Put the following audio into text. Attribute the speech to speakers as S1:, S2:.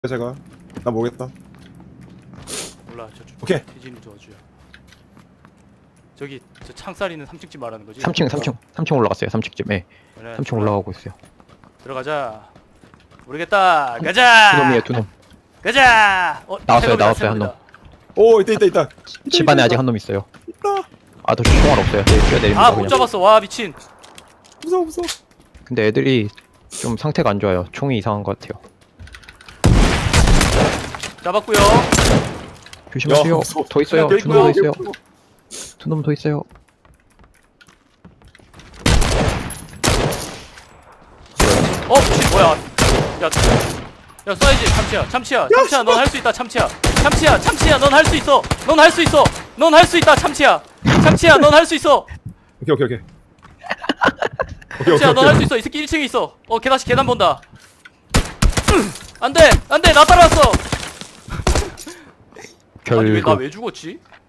S1: 제가 나 모르겠다.
S2: 몰라 저쪽
S1: 오케이.
S2: 태진이 도와줘요. 저기 저 창살 있는 3층 집 말하는 거지?
S3: 3층 올라갔어요. 3층 예.
S2: 그래,
S3: 3층 올라가고 있어요.
S2: 들어가자. 모르겠다. 가자.
S3: 두 놈이에요, 두 놈.
S2: 가자.
S3: 나왔어요,
S2: 태국이다,
S3: 나왔어요, 한
S2: 태국이다.
S1: 오 있다.
S3: 집 안에 아직 한 놈 있어요. 아, 저 총알 없어요. 네, 뛰어내립니다.
S2: 아, 못
S3: 그냥.
S2: 잡았어. 와, 미친.
S1: 무서워.
S3: 근데 애들이 좀 상태가 안 좋아요. 총이 이상한 것 같아요.
S2: 잡았고요.
S3: 조심하세요.
S1: 무서워.
S3: 더 있어요.
S2: 하나
S3: 두 놈 더
S2: 있고요.
S3: 있어요. 두 놈 더 있어요.
S2: 미친 뭐야? 야, 야, 쏴야지. 참치야. 넌 할 수 있다. 참치야, 넌 할 수 있어. 넌 할 수 있어. 넌 할 수 있다. 참치야, 넌 할 수 있어.
S1: 오케이.
S2: 참치야, 넌 할 수 있어. 이 새끼 1층에 있어. 다시 계단 본다. 안 돼, 나 따라왔어. 아니 왜 나
S3: 결국
S2: 왜 죽었지?